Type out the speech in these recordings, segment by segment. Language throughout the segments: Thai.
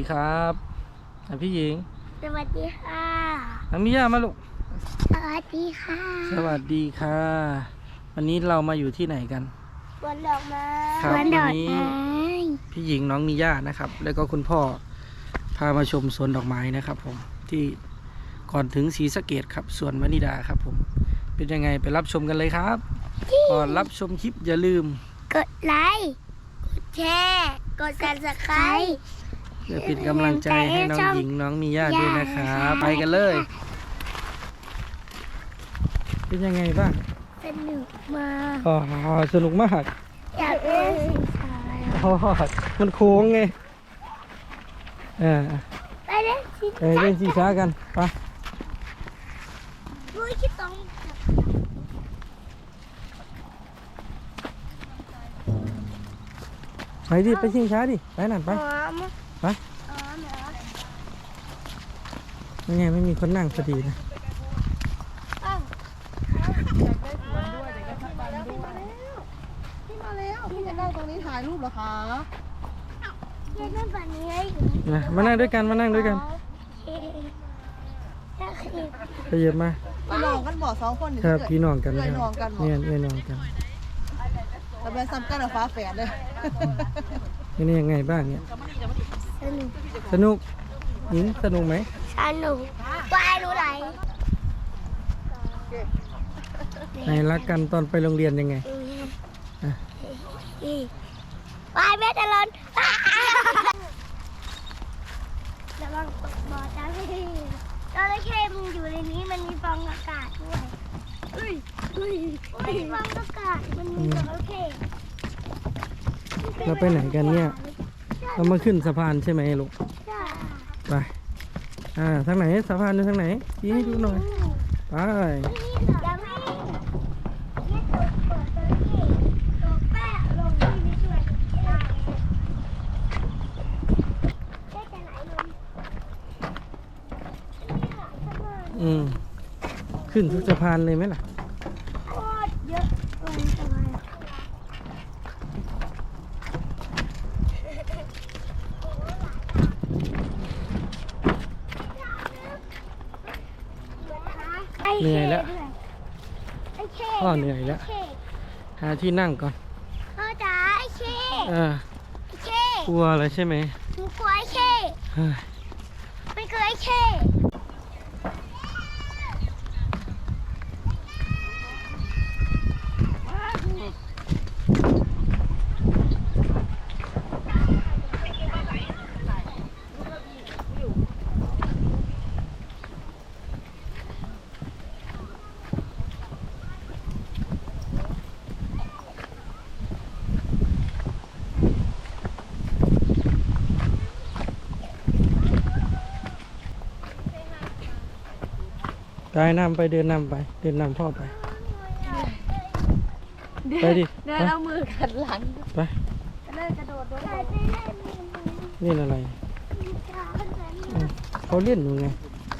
ครับพี่หญิงสวัสดีค่ะมิย่ามาลูกสวัสดีค่ะสวัสดีค่ะวันนี้เรามาอยู่ที่ไหนกันสวนดอกไม้ครับวันนี้พี่หญิงน้องมิย่านะครับ แล้วก็คุณพ่อพามาชมสวนดอกไม้นะครับ ผมที่ก่อนถึงศรีสะเกษครับสวนวนิดาครับผมเป็นยังไงไปรับชมกันเลยครับก่อนรับชมคลิปอย่าลืมกดไลค์กดแชร์กดSubscribe เพื่อเป็นกำลังใจให้น้องหญิงน้องมิย่าด้วยนะครับไปกันเลยเป็นยังไงบ้างสนุกมากสนุกมากอยากเล่นสีฟ้ามันโค้งไงไปเล่นสีฟ้ากันไปดูที่ตรงไปดิไปชิงช้าดิไปนั่นไปยังไงไม่มีคนนั่งพอดีนะพี่จะนั่งตรงนี้ถ่ายรูปเหรอคะมานั่งด้วยกันไปเยอะมาพี่น้องกันบ่สองคนครับพี่น้องกันเนี่ยน้องกันแต่เป็นซ้ำกันกับฟ้าแฝดเลยนี่ยังไงบ้างเนี่ยสนุกหญิงสนุกไหมสนุกวายรู้ไรไหนรักกันตอนไปโรงเรียนยังไงวายแม่จะร้อนระวังตกบ่อจ้าพี่จระเข้มันอยู่ในนี้มันมีฟองอากาศด้วยมีฟองอากาศมันมีจระเข้เราไปไหนกันเนี่ยเรามาขึ้นสะพานใช่ไหมลูกไปทางไหนสะพานอยู่ทางไหนชี้ให้ดูหน่อยไปขึ้นทุกสะพานเลยไหมล่ะโคตรเยอะเลยสะพานเหนื่อยแล้วพ่อเหนื่อยแล้วหาที่นั่งก่อนพ่อจ๋าไอ้เช่กลัวอะไรใช่ไหมหนูกลัวไอ้เช่ไม่เคยไอ้เช่ได้นำไปเดินนำพ่อไปไปดิเดินเอามือขัดหลังไปเล่นกระโดดด้วยเล่นอะไรเขาเล่นอยู่ไง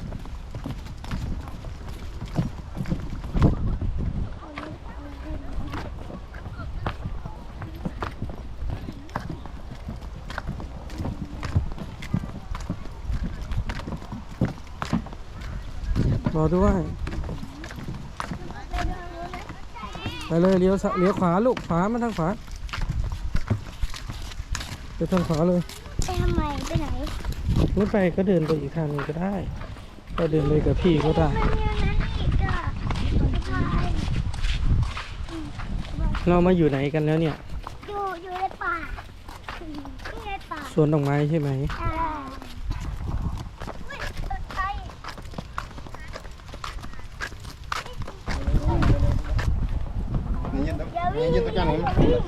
รอด้วยไปเลยเลี้ยวขวาลูกขวามาทางขวาไปทางขวาเลยไปทำไมไปไหนไม่ไปก็เดินไปอีกทางนึงก็ได้ก็เดินเลยกับพี่ก็ได้เรามาอยู่ไหนกันแล้วเนี่ยอยู่ในป่าสวนดอกไม้ใช่ไหม Nhìn tất cả nó.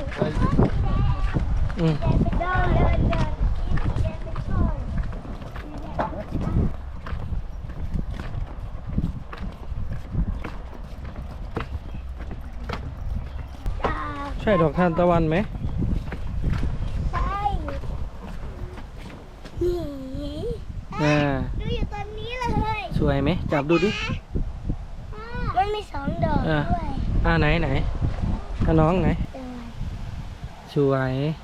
ใช่ดอกทานตะวันไหมใช่ดูอยู่ตอนนี้เลยสวยไหมจับดูดิมันมี2 ดอกด้วยไหนน้องไหนสวย